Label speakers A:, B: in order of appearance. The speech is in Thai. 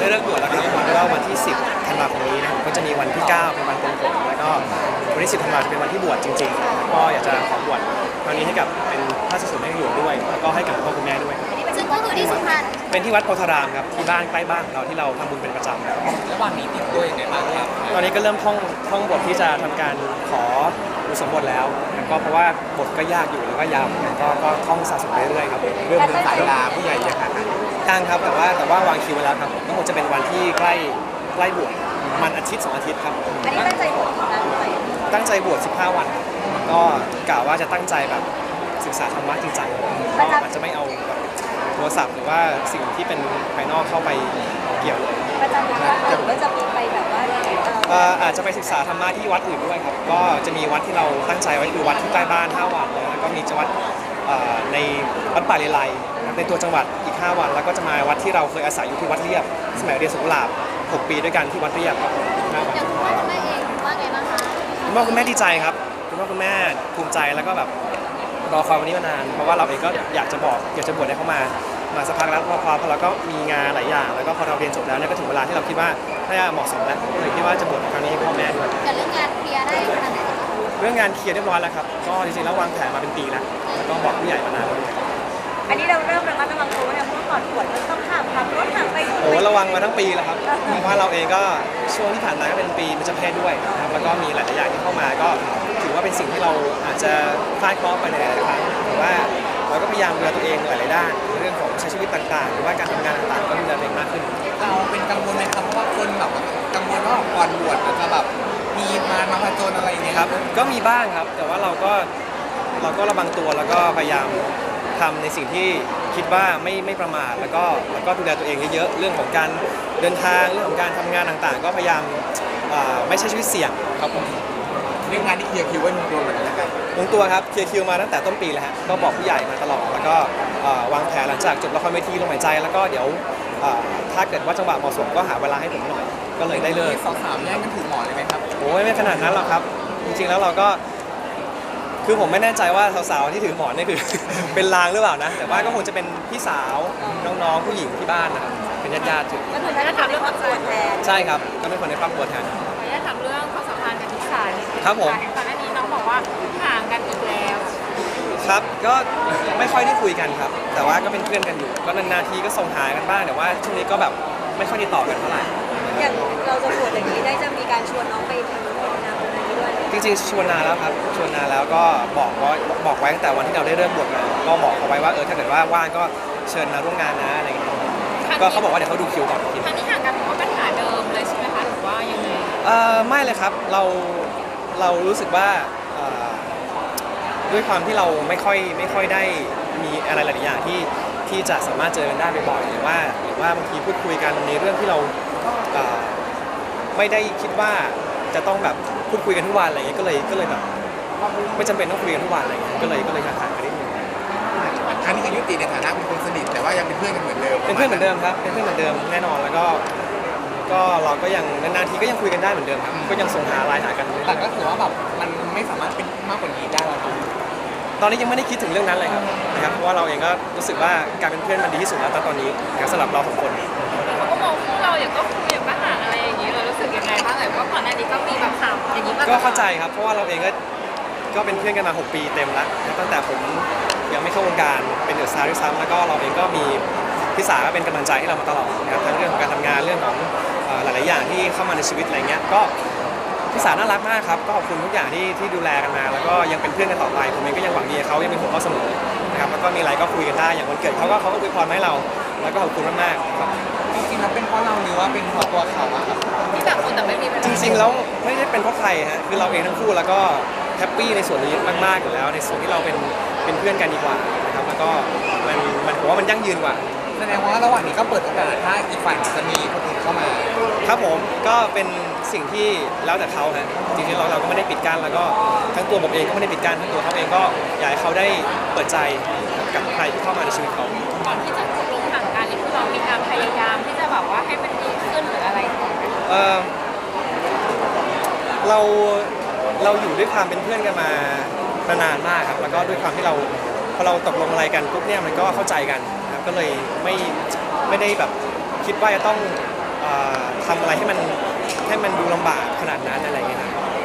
A: ได้เลิกบวชแล้วครับก็วันที่ 10 ธันวาคมนี้นะครับก็จะมีวันที่ 9 เป็นวันปลงผมแล้วก็วันที่ 10 ธันวาคมจะเป็นวันที่บวชจริงๆก็อยากจะขอบวชครั้งนี้ให้กับเป็นพระสสมเด็จในหลวงด้วยแล้วก็ให้กับพ่อคุณแม่ด้วย
B: ซึ่งก็คือที่สุพรรณ
A: เป็นที่วัดโพธารามครับที่บ้านใกล้บ้านของเราที่เราทำบุญเป็นประจำครับ
C: ระหว่างนี้เตรียมตัวยังไงบ้างครับ
A: ตอนนี้ก็เริ่มท่องบทที่จะทำการขออุปสมบทแล้วก็เพราะว่าบทก็ยากอยู่แล้วก็ยาวก็ท่องสะสมเรื่อยๆครับ
C: เริ่มเดินสายลาผู้ใหญ่ยังไง
A: ตั้งครับแต่ว่าวางคิวไว้แล้วครับก็คงจะเป็นวันที่ใกล้บวชมันอาทิตย์2 อาทิตย์ครับ
B: อันนี้ตั้งใจบวชกี่วันด้วย
A: ตั้งใจบวช15 วันก็กะว่าจะตั้งใจแบบศึกษาธรรมะจริงจังก็อาจจะไม่เอาแบบโทรศัพท์หรือว่าสิ่งที่เป็นภายนอกเข้าไปเกี่ยวเลย
B: ประจำอยู่ที่วัดหรือว่าจะมีไปแบบว่า
A: อาจจะไปศึกษาธรรมะที่วัดอื่นด้วยครับก็จะมีวัดที่เราตั้งใจไว้คือวัดที่ใกล้บ้าน5 วันแล้วก็มีจังหวัดในวัดป่าเลไลในตัวจังหวัดอีก5 วันแล้วก็จะมาวัดที่เราเคยอาศัยอยู่ที่วัดเรียบสมัยเรียนสุขุลาบ6 ปีด้วยกันที่วัดเรียบครับ5 วัน
B: อย่างคุณพ่อคุณแม่เองว่าไงบ้างคะ
A: คุณพ่อคุณแม่ดีใจครับคุณพ่อคุณแม่ภูมิใจแล้วก็แบบรอคอยวันนี้มานานเพราะว่าเราเองก็อยากจะบวชให้เขามาสักพักแล้วพอเราก็มีงานหลายอย่างแล้วก็พอเราเรียนจบแล้วเนี่ยก็ถึงเวลาที่เราคิดว่าน่าจะเหมาะสมแล้วเลยคิดว่าจะบวชครั้งนี้ให้พ่อแม่ด้วย
B: แต่เรื่องงานเคลียร์ได้ขนาดไหน
A: เรื่องงานเคลียร์เรียบร้อยแล้วครับก็จริงๆแล้ววางแผนมาเป็นปีแล้วแล้วก็บอกผู้ใหญ่มานานแล้ว
B: อันนี้เราเริ่มระมัดระวังตัวเนี่ยเพราะว่าก่อนบวชมันต้องขับรถห่างไป
A: โอ้ระวังมาทั้งปีแล้วครับเพราะว่าเราเองก็ช่วงที่ผ่านมาก็เป็นปีเป็นเจ้าเพศด้วยนะครับแล้วก็มีหลายๆอย่างที่เข้ามาก็ถือว่าเป็นสิ่งที่เราอาจจะฟาดเคราะห์ไปในหลายๆครั้งแต่ว่าเราก็พยายามดูแลตัวเองหลายๆด้านเรื่องของใช้ชีวิตต่างๆหรือว่าการทำงานต่างๆก็ดูแลตัวเองมากขึ้น
C: เราเป็นกังวลไหมครับเพราะว่าคนแบบกังวลว่าก่อนบวชอาจจะแบบมีมาผจญอะไรอย่างเงี้ย
A: ครับก็มีบ้างครับแต่ว่าเราก็ระวังตัวแล้วก็พยายามทำในสิ่งที่คิดว่าไม่ประมาทแล้วก็ดูแลตัวเองเยอะๆเรื่องของการเดินทางเรื่องของการทำงานต่างๆ ก็พยายามไม่ใช้ชีวิตเสี่ยงครับผม
C: เรื่องงานที่เคลียร์คิวไว้ลงตัวเหมือนกันแล้วกัน
A: ลงตัวครับเคลียร์คิวมาตั้งแต่ต้นปีแล้วฮะก็บอกผู้ใหญ่มาตลอดแล้วก็วางแผนหลังจากจบละครเวทีลมหายใจแล้วก็เดี๋ยวถ้าเกิดว่าจังหวะเหมาะสมก็หาเวลาให้ผมหน่อยก็เลยได้เลิก
C: สาวๆแย่งกันถือหมอนเลยไหมครับ
A: โอ้ยไม่ขนาดนั้นหรอกครับจริงๆแล้วเราก็คือผมไม่แน่ใจว่าสาวๆที่ถือหมอนนี่คือ เป็นลางหรือเปล่านะแต่ว่าก็คงจะเป็นพี่สาวน้องๆผู้หญิงที่บ้านนะครับเป็นญาติๆถือ
B: ก็คือถ้าทำเรื่องครอบครัวแทน
A: ใช่ครับก็เป็นคนในครอบครัวแทน
D: ขออนุญาตถามเรื่องความสัมพันธ์กับทิสานิดนึง
A: ครับผม
D: ก่อนหน้านี้น้องบอกว่าห่างกันอีกแล้ว
A: ครับก็ไม่ค่อยได้คุยกันครับ แต่ว่าก็เป็นเพื่อนกันอยู่ก็นานๆทีก็ส่งหากันบ้างแต่ว่าช่วงนี้ก็แบบไม่ค่อยได้ต่อกันเท่าไหร่
B: อย่างเราจะบวชอย่างนี้ได้จะมีการชวนน้องไปทำบุญนาบุญนี้ด้วย
A: จริงๆชวนนานแล้วครับชวนนานแล้วก็บอกไว้ตั้งแต่วันที่เราได้เริ่มบวชมาก็บอกเขาไว้ว่าถ้าเกิดว่าว่างก็เชิญมาร่วมงานนะอะไรอย่างเงี้ยก็เขาบอกว่าเดี๋ยวเขาดูคิวก่อนที
D: ครั้งนี้ห่างกันเพราะปัญหาเดิมเลยใช่ไหมคะหรือว่ายังไง
A: ไม่เลยครับเรารู้สึกว่าด้วยความที่เราไม่ค่อยได้มีอะไรหลายๆอย่างที่จะสามารถเจอกันได้บ่อยๆหรือว่าบางทีพูดคุยกันในเรื่องที่เราไม่ได้คิดว่าจะต้องแบบพูดคุยกันทุกวันอะไรเงี้ยก็เลยแบบไม่จำเป็นต้องคุยกันทุกวันอะไรเงี้ยก็เลยห่างๆกันนิดนึง
C: ครั้งนี้ก็ยุติในฐานะเป็นคนสนิทแต่ว่ายังเป็นเพื่อนกันเหมือนเดิม
A: เป็นเพื่อนเหมือนเดิมครับเป็นเพื่อนเหมือนเดิมแน่นอนแล้วก็เราก็ยังนานๆทีก็ยังคุยกันได้เหมือนเดิมครับก็ยังส่งหาไลน์หากัน
C: แต่ก็ถือว่าแบบมันไม่สามารถเป็นมากกว่านี้ได้แล้วครับ
A: ตอนนี้ยังไม่ได้คิดถึงเรื่องนั้นเลยครับนะครับเพราะว่าเราเองก็รู้สึกว่าการเป็นเพื่อนมันดีที่สุดแล้วตอนนี้นะครับสำหรับเราสองคน
D: เขาก็มองคู่เราอย่างก็คุยอย่างก็ห่างอะไรอย่างนี้เรารู้สึกยังไงบ้างเพราะก่อนหน้านี้ก็มีแบบข่าวอย่างนี้มา
A: ก็เข้าใจครับเพราะว่าเราเองก็เป็นเพื่อนกันมา6 ปีเต็มแล้วตั้งแต่ผมยังไม่เข้าวงการเป็นเดอะสตาร์ด้วยซ้ำแล้วก็เราเองก็มีพี่สาก็เป็นกำลังใจให้เรามาตลอดนะครับทั้งเรื่องของการทำงานเรื่องของหลายๆอย่างที่เข้ามาในชีวิตอะไรเงี้ยก็พี่สาน่ารักมากครับก็ขอบคุณทุกอย่างที่ดูแลกันมาแล้วก็ยังเป็นเพื่อนกันต่อไปผมเองก็ยังหวังดีเขายังเป็นห่วงเขาเสมอนะครับแล้วก็มีอะไรก็คุยกันได้อย่างวันเกิดเขาก็อวยพรมาให้เราแล้วก็ขอบคุณมากๆครับ
C: จริงๆแล้วเป็นเพราะเราหรือว่าเป็นเพราะตัวเขาอะครับ
D: ที่ต่างคนแต่ไม่มีปัญ
A: จ
D: หา
A: ริงๆแล้วไม่ได้เป็นเพราะใครฮะคือเราเองทั้งคู่แล้วก็แฮปปี้ในส่วนนี้มากๆอยู่แล้วในส่วนที่เราเป็นเพื่อนกันดีกว่านะครับแล้วก็มันผมว่ามันยั่งยืนกว่า
C: แสดงว่าระหว่างนี้ก็เปิดโอกาสถ้าอีกฝ่ายจะมีคนอื่นเข้ามา
A: ครับผมก็เป็นสิ่งที่แล้วแต่เขาฮะจริงๆเราก็ไม่ได้ปิดกั้นแล้วก็ทั้งตัวผมเองก็ไม่ได้ปิดกั้นทั้งตัวเขาเองก็อยากให้เขาได้เปิดใจกับใครที่เข้ามาในชีวิตเขา
D: ก่อนที่จะตกลงห่างกันนี่คือเรามีการพยายามที่จะแบบว่าให้มันดีขึ้นหรืออะไรก่อนไหม
A: เราอยู่ด้วยความเป็นเพื่อนกันมานานมากครับแล้วก็ด้วยความที่พอเราตกลงอะไรกันปุ๊บเนี่ยมันก็เข้าใจกันนะครับก็เลยไม่ได้แบบคิดว่าจะต้องทำอะไรให้มันดูลำบากขนาดนั้นอะไรอย่างเงี้ยครับ